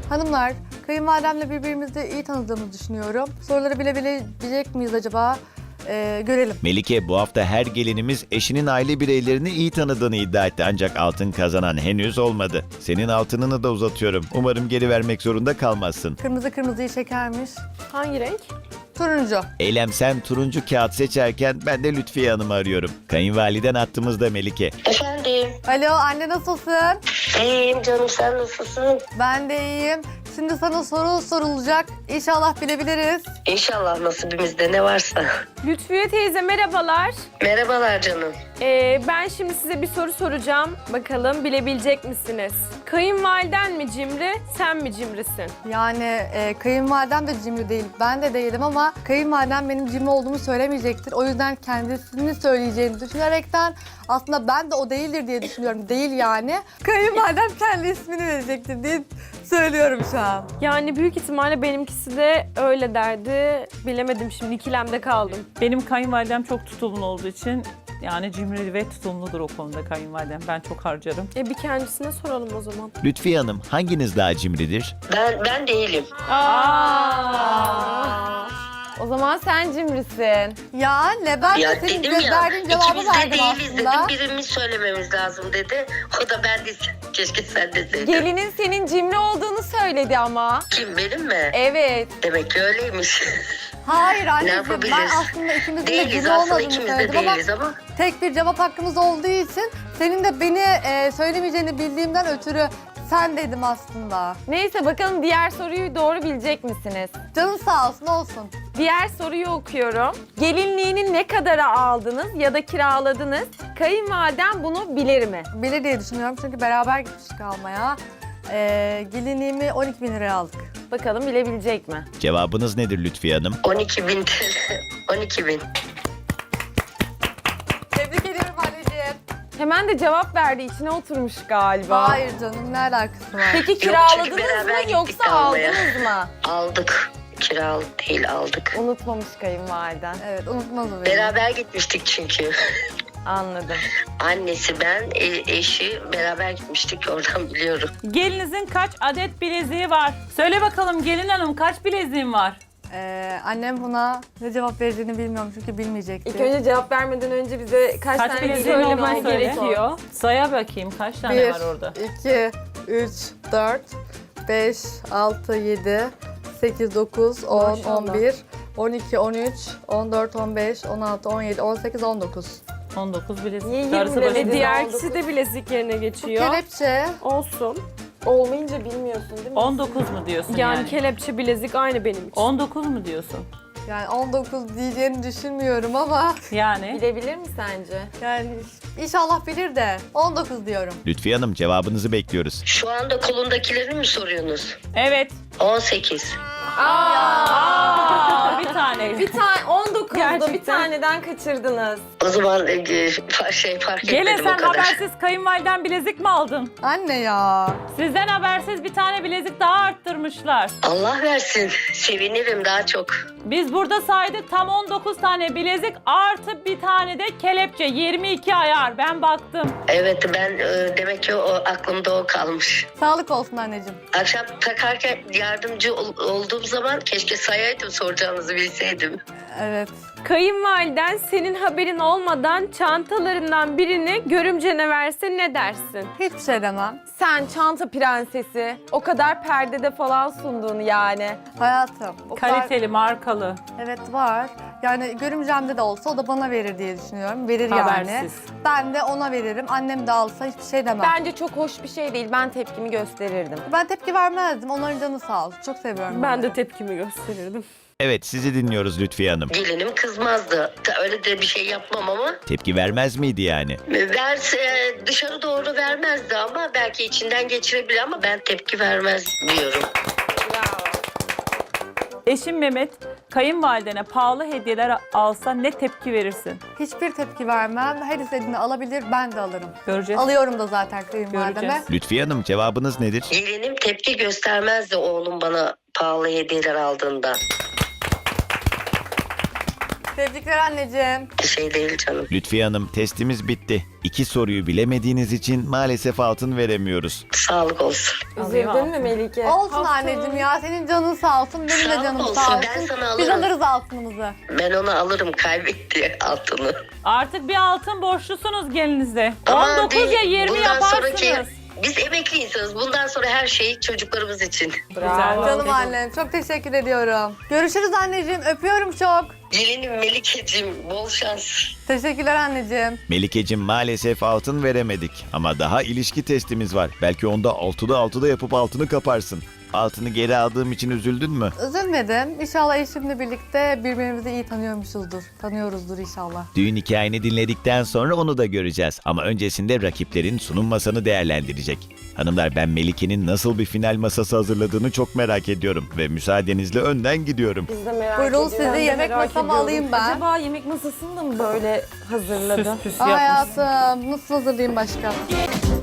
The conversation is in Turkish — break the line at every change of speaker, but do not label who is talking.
Hanımlar, kayınvalidemle birbirimizi iyi tanıdığımızı düşünüyorum. Soruları bilebilecek miyiz acaba? Görelim.
Melike bu hafta her gelinimiz eşinin aile bireylerini iyi tanıdığını iddia etti ancak altın kazanan henüz olmadı. Senin altınını da uzatıyorum. Umarım geri vermek zorunda kalmazsın.
Kırmızı kırmızıyı çekermiş.
Hangi renk?
Turuncu.
Eylem sen turuncu kağıt seçerken ben de Lütfiye Hanım'ı arıyorum. Kayınvaliden attığımızda Melike.
Efendim,
Alo anne nasılsın?
iyiyim canım, sen nasılsın?
Ben de iyiyim. Şimdi sana soru sorulacak. İnşallah bilebiliriz.
İnşallah nasibimizde ne varsa.
Lütfiye teyze merhabalar.
Merhabalar canım.
Ben şimdi size bir soru soracağım. Bakalım bilebilecek misiniz? Kayınvaliden mi cimri, sen mi cimrisin?
Yani kayınvalidem de cimri değil. Ben de değilim ama kayınvalidem benim cimri olduğumu söylemeyecektir. O yüzden kendisini söyleyeceğini düşünerekten aslında ben de o değildir diye düşünüyorum. Değil yani. Kayınvalidem kendi ismini verecektir diye söylüyorum şu an.
Yani büyük ihtimalle benimkisi de öyle derdi. Bilemedim şimdi ikilemde kaldım.
Benim kayınvalidem çok tutumlu olduğu için yani cimri ve tutumludur o konuda kayınvalidem. Ben çok harcarım.
Bir kendisine soralım o zaman.
Lütfiye Hanım hanginiz daha cimridir?
Ben değilim.
O zaman sen cimrisin.
Ya ne ben
Ya
de senin
dedim ya,
verdiğin cevabı
ikimiz de
verdim
değiliz
aslında.
dedim, birimiz söylememiz lazım dedi. O da ben değilsin, keşke sen deseydin.
Gelinin senin cimri olduğunu söyledi ama.
Kim, benim mi?
Evet.
Demek ki öyleymiş.
Hayır
Ne
anneciğim
yapabiliriz?
ben aslında ikimizin de
Değiliz
cimri
aslında,
olmadığını
ikimiz de
söyledim ama
değiliz ama.
tek bir cevap hakkımız olduğu için senin de beni söylemeyeceğini bildiğimden ötürü sen dedim aslında.
Neyse bakalım diğer soruyu doğru bilecek misiniz?
Canın sağ olsun olsun.
Diğer soruyu okuyorum. Gelinliğini ne kadara aldınız ya da kiraladınız? Kayınvaliden bunu bilir mi?
Bilir diye düşünüyorum çünkü beraber gitmiştik almaya. Gelinliğimi 12.000 liraya aldık.
Bakalım bilebilecek mi?
Cevabınız nedir Lütfiye Hanım?
12.000 TL. 12.000.
Tebrik ediyorum anneciğim.
Hemen de cevap verdi. İçine oturmuş galiba.
Hayır canım ne alakası var?
Peki
çünkü
kiraladınız
beraber
mı
gittik
yoksa
almaya.
aldınız mı?
Aldık. Kiralık değil, aldık.
Unutmamış kayınvaliden.
Evet unutmaz o beni.
Beraber gitmiştik çünkü.
Anladım.
Annesi, ben, eşi beraber gitmiştik, oradan biliyorum.
Gelinizin kaç adet bileziği var? Söyle bakalım gelin hanım kaç bileziğin var?
Annem buna ne cevap vereceğini bilmiyorum çünkü bilmeyecekti.
İlk önce cevap vermeden önce bize kaç
Kaç
tane
bileziğin
söylemen
olduğunu söyle.
gerekiyor.
Saya bakayım kaç tane
1,
var orada?
2, 3, 4, 5, 6, 7, 8, 9, 10,
Maşallah.
11, 12, 13, 14, 15, 16, 17, 18, 19.
19 bilezik.
Niye
Darısı
20
başına.
diğer kişi de bilezik yerine
Bu
geçiyor.
kelepçe.
Olsun. Olmayınca bilmiyorsun değil mi?
19 mu diyorsun
Yani
yani?
kelepçe bilezik aynı benim için.
19 mu diyorsun?
Yani 19 diyeceğini düşünmüyorum ama
Yani
Bilebilir mi sence?
yani inşallah bilir de 19 diyorum.
Lütfiye Hanım cevabınızı bekliyoruz.
Şu anda kolundakileri mi soruyorsunuz?
evet.
18.
Aa, bir tane.
Bir tane 19'da bir
Gerçekten.
taneden kaçırdınız.
O zaman fark
Gelin
etmedim o
sen
kadar.
habersiz kayınvaliden bilezik mi aldın?
Anne ya.
Sizden habersiz bir tane bilezik daha arttırmışlar.
Allah versin. Sevinirim daha çok.
Biz burada saydık tam 19 tane bilezik artı bir tane de kelepçe 22 ayar ben baktım.
Evet, ben demek ki o aklımda o kalmış.
Sağlık olsun anneciğim.
Akşam takarken yardımcı olduğum zaman keşke sayaydım, soracağınızı bilseydim.
Evet.
Kayınvaliden senin haberin olmadan çantalarından birini görümcene verse ne dersin?
Hiçbir şey demem.
Sen çanta prensesi. O kadar perdede falan sunduğunu yani.
Hayatım. O kadar-
Kaliteli markalı
Evet var. Yani görümcemde de olsa o da bana verir diye düşünüyorum. Verir yani.
habersiz.
Ben de ona veririm. Annem de alsa hiçbir şey demem.
Bence çok hoş bir şey değil. Ben tepkimi gösterirdim.
Ben tepki vermezdim. Onların canı sağ olsun. Çok seviyorum.
Ben
onları.
de tepkimi gösterirdim.
Evet sizi dinliyoruz Lütfiye Hanım.
Gelinim kızmazdı. Öyle de bir şey yapmam ama.
Tepki vermez miydi yani?
Ben dışarı doğru vermezdi ama belki içinden geçirebilir ama ben tepki vermez diyorum.
Eşim Mehmet kayınvalidene pahalı hediyeler alsa ne tepki verirsin?
Hiçbir tepki vermem. Her istediğini alabilir. Ben de alırım.
Göreceğiz.
Alıyorum da zaten kayınvalideme.
Göreceğiz.
Lütfiye Hanım cevabınız nedir?
Gelinim tepki göstermezdi oğlum bana pahalı hediyeler aldığında.
Tebrikler anneciğim.
Bir şey değil canım.
Lütfiye Hanım, testimiz bitti. 2 soruyu bilemediğiniz için maalesef altın veremiyoruz.
Sağlık olsun.
Üzüldün mü Melike?
Olsun anneciğim ya. Senin canın sağ olsun. Benim de
Sağ
canım
olsun,
sağ olsun.
ben sana
Biz
alırım.
alırız altınımızı.
Ben onu alırım, kaybetti altını.
Artık bir altın borçlusunuz gelinize.
Ama
19 ya
değil,
20
bundan
yaparsınız.
sonraki- Biz emekli insanız. Bundan sonra her şey çocuklarımız için.
Bravo.
Canım annem. Çok teşekkür ediyorum. Görüşürüz anneciğim. Öpüyorum çok.
Gelinim Melike'cim, bol şans.
Teşekkürler anneciğim.
Melikeciğim, maalesef altın veremedik. Ama daha ilişki testimiz var. Belki onda 6'da yapıp altını kaparsın. Altını geri aldığım için üzüldün mü?
Üzülmedim. İnşallah eşimle birlikte birbirimizi iyi tanıyoruzdur inşallah.
Düğün hikayeni dinledikten sonra onu da göreceğiz. Ama öncesinde rakiplerin sunum masanı değerlendirecek. Hanımlar, ben Melike'nin nasıl bir final masası hazırladığını çok merak ediyorum. Ve müsaadenizle önden gidiyorum.
Biz de merak
Buyurun,
ediyoruz.
sizi yemek
Merak
masamı
ediyorum.
alayım ben.
Acaba yemek masasını da mı böyle hazırladı?
Süs püs
Aa,
yapmış.
hayatım nasıl hazırlayayım başka?